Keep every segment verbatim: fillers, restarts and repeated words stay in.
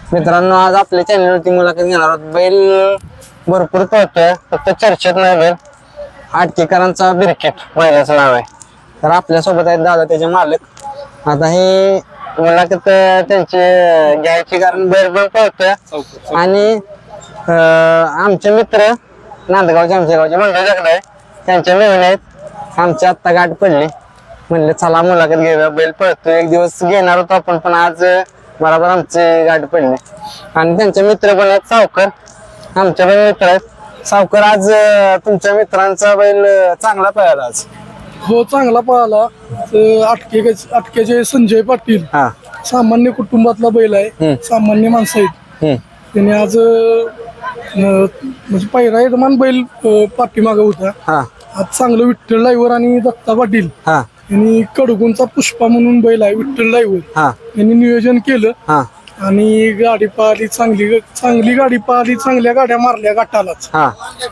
मित्रांनो आज आपल्या चॅनलवरती मुलाखत घेणार आहोत। बैल भरपूर पळतोय, फक्त चर्चेत नाही बैल आटकेकरांचा बिरकेट बैलाचं नाव आहे। तर आपल्यासोबत आहेत दादा त्याचे मालक। आता हे मुलाखत त्यांची घ्यायची कारण बैल पण पळतोय आणि आमचे मित्र नांदगावचे आमच्या गावचे मंडळ जगलाय त्यांच्या मेहून आहेत। आमची आत्ता गाठ पडली, म्हणले चला मुलाखत घेऊया। बैल पळतोय, एक दिवस घेणार होतो आपण पण आज बरोबर आमचे गाठ पडले। आणि त्यांचे मित्र पण आहेत सावकर, आमचे पण मित्र आहेत। सावकर आज तुमच्या मित्रांचा बैल चांगला पळाला आज? हो चांगला पळाला। अटके अटकेचे संजय पाटील हा सामान्य कुटुंबातला बैल आहे, सामान्य माणसं आहेत। त्याने आज म्हणजे पहिला यजमान बैल पाठीमागे होता। हा आज चांगलं विठ्ठल ड्रायव्हर आणि दत्ता पाटील हा यांनी कडगुंचा पुष्पा म्हणून बैल आहे विठ्ठल ड्रायव्हर, हा यांनी नियोजन केलं हा आणि गाडी पाहिली चांगली चांगली गाडी पाहिली, चांगल्या गाड्या मारल्या गाठालाच। हा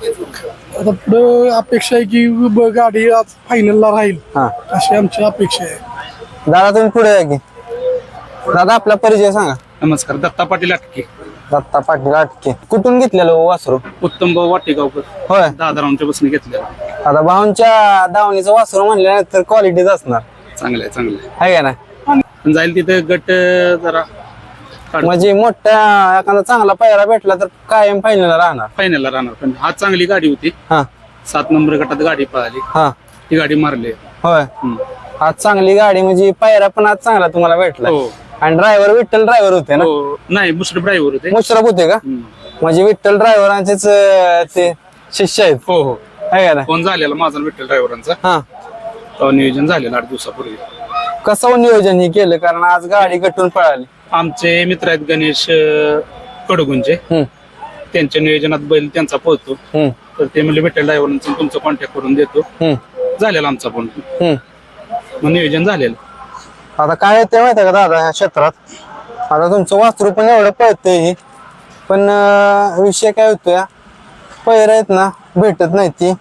आता पुढे अपेक्षा आहे की ब- गाडी आज फायनलला राहील, हा अशी आमची अपेक्षा आहे। दादा तुम्ही पुढे या की। दादा आपला परिचय सांगा। नमस्कार, दत्ता पाटील अटके, दत्ता पाटील आटके। कुठून घेतलेलं हो वासरू? उत्तम भाऊ वाटेगावकर, होय, दादारावांच्या बसने घेतलेला। आता भाऊंच्या दावणीचं वासरू म्हणल्यानंतर क्वालिटीच असणार चांगलं आहे, चांगलं आहे। आहे का ना? पण जाईल तिथे गट अं, जरा म्हणजे मोठ्या एखादा चांगला पायरा भेटला तर कायम फायनल राहणार। फायनलला राहणार। पण आज चांगली गाडी होती, हा सात नंबर गटात गाडी पळाली, हा ती गाडी मारली। होय, हम्म. आज चांगली गाडी म्हणजे पायरा पण आज चांगला तुम्हाला भेटला। हो आणि ड्रायव्हर विठ्ठल ड्रायव्हर होते ना? हो, नाही मुश्रीफ ड्रायव्हर होते। मुश्रफ होते का? हम्म. म्हणजे विठ्ठल ड्रायव्हरांचेच ते शिष्य आहेत, हो हो, आहे का ना? फोन झालेला माझा विठ्ठल ड्रायव्हरांचा, हा तेव्हा नियोजन झालेलं आठ दिवसापूर्वी। कसं नियोजन हे केलं? कारण आज गाडी गटून पळाली। आमचे मित्र आहेत गणेश अं, कडगुंचे, हम्म त्यांच्या नियोजनात बैल त्यांचा पळतो, हम्म तर ते म्हणजे विठ्ठल ड्रायव्हरांचा तुमचा कॉन्टॅक्ट करून देतो। हम्म झालेला आमचा फोन, हम्म मग नियोजन झालेलं। आता काय ते माहितीये का दादा, ह्या क्षेत्रात आता तुमचं वासरू पण एवढं पळतंय हे, पण अं, विषय काय होतोय, पैर आहेत ना भेटत नाही ती,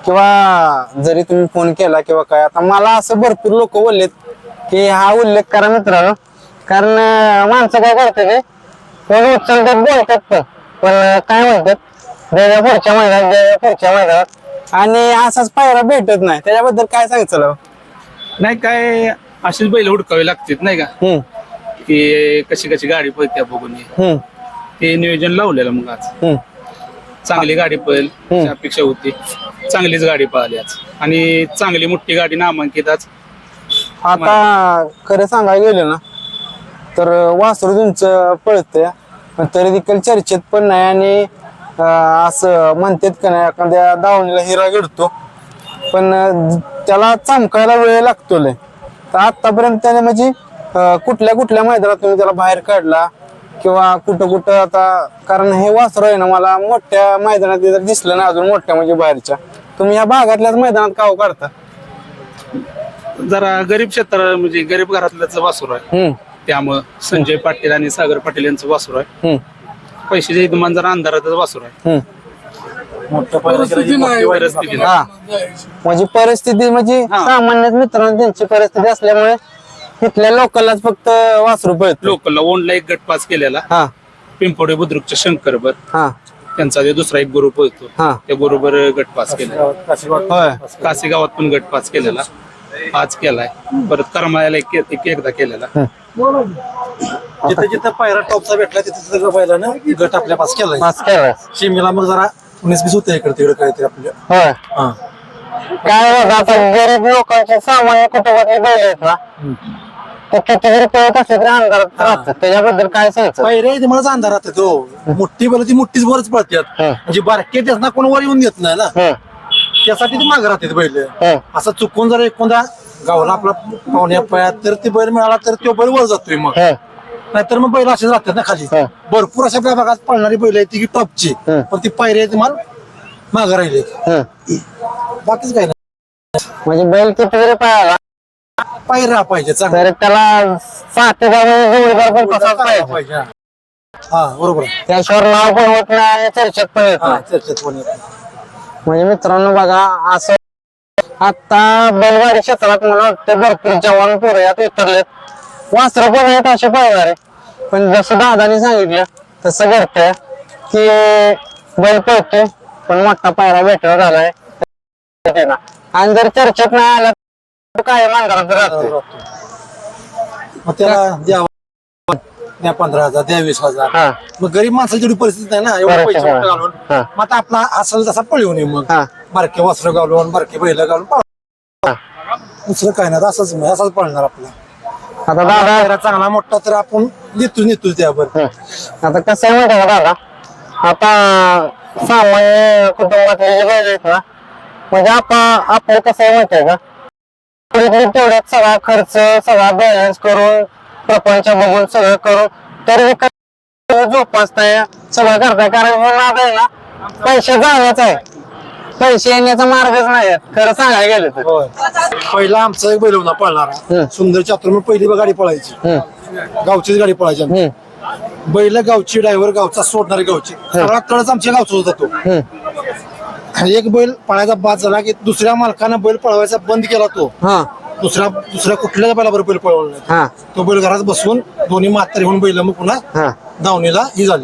किंवा जरी तुम्ही फोन केला किंवा काय। आता मला असं भरपूर लोक बोललेत की हा उल्लेख करा मित्रांनो, कारण अं, माणसं काय करतात ते फोन उचलतात बोलतात पण पण काय म्हणतात द्यायला पुढच्या महिन्यात द्यायला पुढच्या महिन्यात, आणि असाच पायरा भेटत नाही। त्याच्याबद्दल काय सांगितलं? नाही काय, अशीच बैल हुडकावी लागतात नाही का, हम्म की कशी कशी गाडी पळत्या बघून हे. हम्म ते नियोजन लावलेलं मग आज हम्म चांगली गाडी पळेल अशी अपेक्षा होती, चांगलीच गाडी पळाली आज आणि चांगली मोठी गाडी नामांकित आज। आता खरं सांगायला गेलं ना तर वासरू तुमचं पळतंय, पण तरी देखील चर्चेत पण नाही। आणि अं, असं म्हणतात का नाही एखाद्या दावणीला हिरा घडतो, पण अं, त्याला चमकायला वेळ लागतो लय। तर आतापर्यंत त्याने म्हणजे अं, कुठल्या कुठल्या मैदानात तुम्ही त्याला बाहेर काढला किंवा कुठं कुठं? आता कारण हे वासरू आहे ना मला मोठ्या मैदानात जर दिसलं ना अजून मोठ्या म्हणजे बाहेरच्या, तुम्ही या भागातल्याच मैदानात का हो काढता? जरा गरीब क्षेत्र म्हणजे गरीब घरातल्याच वासुर आहे, हम्म त्यामुळं संजय पाटील आणि सागर पाटील यांचं वासुर आहे। हम्म पैशाच्या इथं जरा अंधारातच वासुर आहे, हम्म परिस्थिती नाही परिस्थिती नाही। हा म्हणजे परिस्थिती म्हणजे हा. सामान्य मित्रांनो त्यांची परिस्थिती असल्यामुळे इथल्या लोकललाच फक्त वासरू पळतो। लोकलला ओनला एक गट पास केलेला, हा पिंपोडे बुद्रुकच्या शंकरबर हा त्यांचा जे दुसरा एक गुरु पळतो, हा त्या बरोबर गट पास केलेला। होय काशी गावात पण गट पास केलेला, आज केलाय। परत करमाळ्याला एक एक- एकदा केलेला। जिथे जिथे पायरा टॉपचा भेटला तिथे तिथे पहिल्यानं गट आपल्या पास केलाय। पास केलाय शिमीला मग जरा उन्नीस बीस होते इकडे तिकडे काहीतरी आपल्या। होय। हा काय बघा आता गरीब लोकांचे सामान्य कुटुंबातले बैल आहेत ना, ते किती जरी पळत असले तरी अंधारात राहतात, त्याच्याबद्दल काय सांगायचं? पायऱ्या इथे मला अंधार राहते तो मोठी बैल ती मोठीच वरच पळतात, हं. म्हणजे बारके त्याच ना कोण वर येऊन देत नाही ना, हम्म त्यासाठी ती मागे राहते बैल। हम्म असं चुकून जर एखादा गावला आपला पाहुण्या पायात तर ती बैल मिळाला तर तो बैल वर जातोय, मग हम्म नाहीतर मग बैल असेच राहतात ना खाली। हं. भरपूर अशा आपल्या भागात पळणारी बैल आहेत ती की टॉपची, हं. पण ती पायऱ्या आहेत माल मागे राहिले, हम्म बाकीच काही नाही। म्हणजे बैल किती जरी पळाला पायऱ्या पाहिजे चांगला तर त्याला साथीदार जोडीदार पण तसाच पाहिजे, पाहिजे। हा बरोबर आहे. त्याशिवाय नाव पण होत नाही आणि चर्चेत पण येत हा नाही। चर्चेत पण येत नाही. म्हणजे मित्रांनो बघा असं आता बैलगाडी क्षेत्रात मला वाटतं भरपूर जवान पोरं यात उतरलेत, वासरं पण आहेत असे पाहणारे, पण जसं दादाने सांगितलं तसं घडतंय की बैल पळतोय पण मोठा पायरा भेटला झालाय त्याला. आणि जर चर्चेत नाही आला तर काय मानगारात राहतोय. मग त्याला द्यावा द्या पंधरा हजार द्या वीस हजार हा मग गरीब माणसाची एवढी परिस्थिती नाही ना एवढे बरोबर, पैसे हा. मोठे घालून हा. मग आता आपला असेल तसा पळवून ये मग हा. बारके वस्त्र घालून बारके बैल घालून पळ- हा. दुसरं काय नाही असंच मग असाच पळणार आपला आता दादा पायरा चांगला मोठा तर आपण देतो नेतो त्यावर हं. आता कसं आहे माहिती आहे का दादा, आता सामान्य कुटुंबातले जे बैल आहेत ना, म्हणजे आपण आपलं कसं आहे माहिती आहे का, थोडी तेवढ्यात सगळा खर्च सगळा बॅलन्स करून प्रपंच बघून सगळं करून तरी जोपासताय सगळं करताय. कारण हे नाद आहे ना पैसे जाण्याचा आहे, पैसे येण्याचा मार्गच नाही आहे, खरं सांगायला गेलं तर. होय पहिला आमचा एक बैल होता पळणारा हं. सुंदर चातुर्म पहिली गाडी पळायची हं, गावचीच गाडी पळायची आमची. हं, बैल गावची ड्रायव्हर गावचा सोडणारी गावची सगळा तळच आमच्या गावचा होता तो. हं. एक बैल पळायचा बाद झाला की दुसऱ्या मालकानं बैल पळवायचा बंद केला तो हा दुसऱ्या दुसऱ्या कुठल्याच बैलाबरोबर बैल पळवला नाही. हा तो बैल घरात बसून दोन्ही म्हातारी होऊन बैल मग पुन्हा हा दावणीला ही झाली.